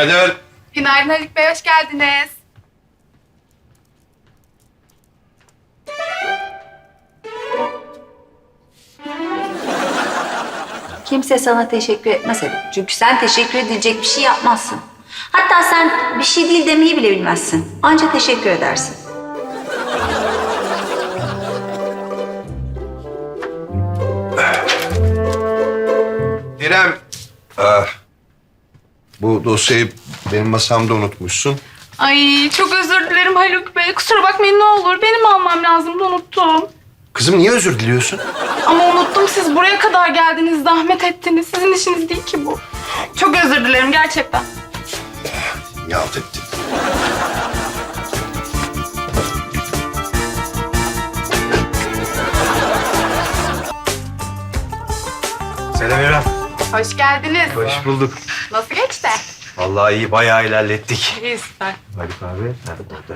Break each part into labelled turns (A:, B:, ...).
A: Günaydın.
B: Günaydın Haluk Bey, hoş geldiniz.
C: Kimse sana teşekkür etmez Haluk. Çünkü sen teşekkür edilecek bir şey yapmazsın. Hatta sen bir şey değil demeyi bile bilmezsin. Anca teşekkür edersin.
A: İrem. Bu dosyayı benim masamda unutmuşsun.
B: Ay çok özür dilerim Haluk Bey. Kusura bakmayın ne olur. Benim almam lazımdı, unuttum.
A: Kızım niye özür diliyorsun?
B: Ama unuttum, siz buraya kadar geldiniz, zahmet ettiniz. Sizin işiniz değil ki bu. Çok özür dilerim gerçekten.
A: Yalt ettin.
D: Selam İrem.
B: Hoş geldiniz.
D: Hoş bulduk.
B: Nasıl geçti?
D: Vallahi iyi, bayağı ilerlettik.
B: İyi, süper.
D: Haluk abi nerede burada?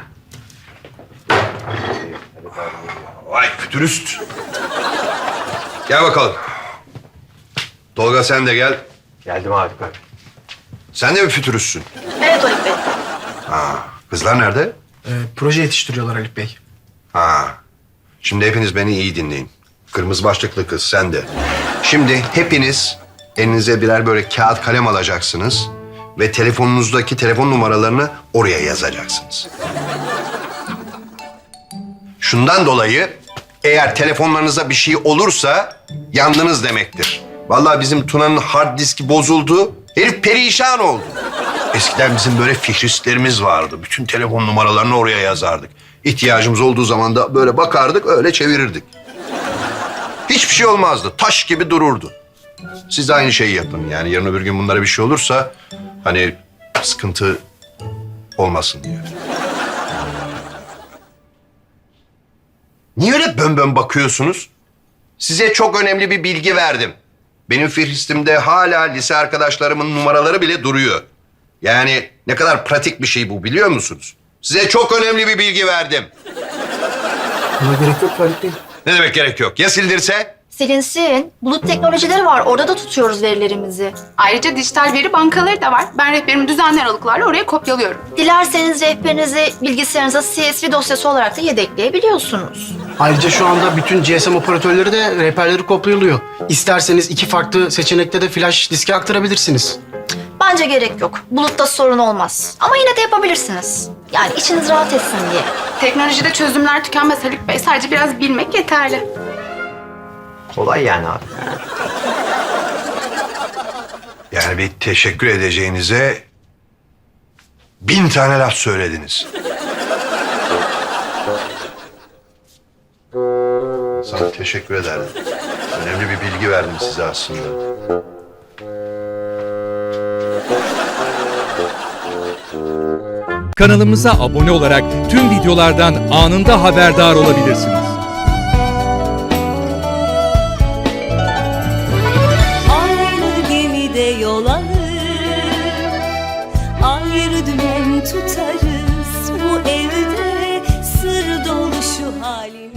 A: Vay fütürist. Gel bakalım. Tolga sen de gel.
D: Geldim Haluk abi.
A: Sen de mi fütüristsin?
B: Evet Haluk Bey.
A: Kızlar nerede?
E: Proje yetiştiriyorlar Haluk Bey.
A: Şimdi hepiniz beni iyi dinleyin. Kırmızı başlıklı kız sen de. Şimdi hepiniz elinize birer böyle kağıt kalem alacaksınız ve telefonunuzdaki telefon numaralarını oraya yazacaksınız. Şundan dolayı eğer telefonlarınıza bir şey olursa yandınız demektir. Vallahi bizim Tuna'nın hard diski bozuldu. Herif perişan oldu. Eskiden bizim böyle fihristlerimiz vardı. Bütün telefon numaralarını oraya yazardık. İhtiyacımız olduğu zaman da böyle bakardık, öyle çevirirdik. Hiçbir şey olmazdı. Taş gibi dururdu. Siz de aynı şeyi yapın. Yani yarın öbür gün bunlara bir şey olursa hani sıkıntı olmasın diye. Niye öyle bön bakıyorsunuz? Size çok önemli bir bilgi verdim. Benim fihristimde hala lise arkadaşlarımın numaraları bile duruyor. Yani ne kadar pratik bir şey bu, biliyor musunuz? Size çok önemli bir bilgi verdim.
E: Buna gerek yok Haluk Bey.
A: Ne demek gerek yok? Ya sildirse?
F: Silinsin. Bulut teknolojileri var. Orada da tutuyoruz verilerimizi.
B: Ayrıca dijital veri bankaları da var. Ben rehberimi düzenli aralıklarla oraya kopyalıyorum.
F: Dilerseniz rehberinizi bilgisayarınıza CSV dosyası olarak da yedekleyebiliyorsunuz.
E: Ayrıca şu anda bütün GSM operatörleri de rehberleri kopyalıyor. İsterseniz 2 farklı seçenekte de flash diske aktarabilirsiniz.
F: Bence gerek yok. Bulutta sorun olmaz. Ama yine de yapabilirsiniz. Yani içiniz rahat etsin diye.
B: Teknolojide çözümler tükenmez Haluk Bey. Sadece biraz bilmek yeterli.
D: Kolay yani abi.
A: Yani bir teşekkür edeceğinize 1000 tane laf söylediniz. Sana teşekkür ederdim. Önemli bir bilgi verdim size aslında.
G: Kanalımıza abone olarak tüm videolardan anında haberdar olabilirsiniz.
H: Aynı gemide yol alır, ayrı dümen tutarız. Bu evde sır dolu şu halimiz.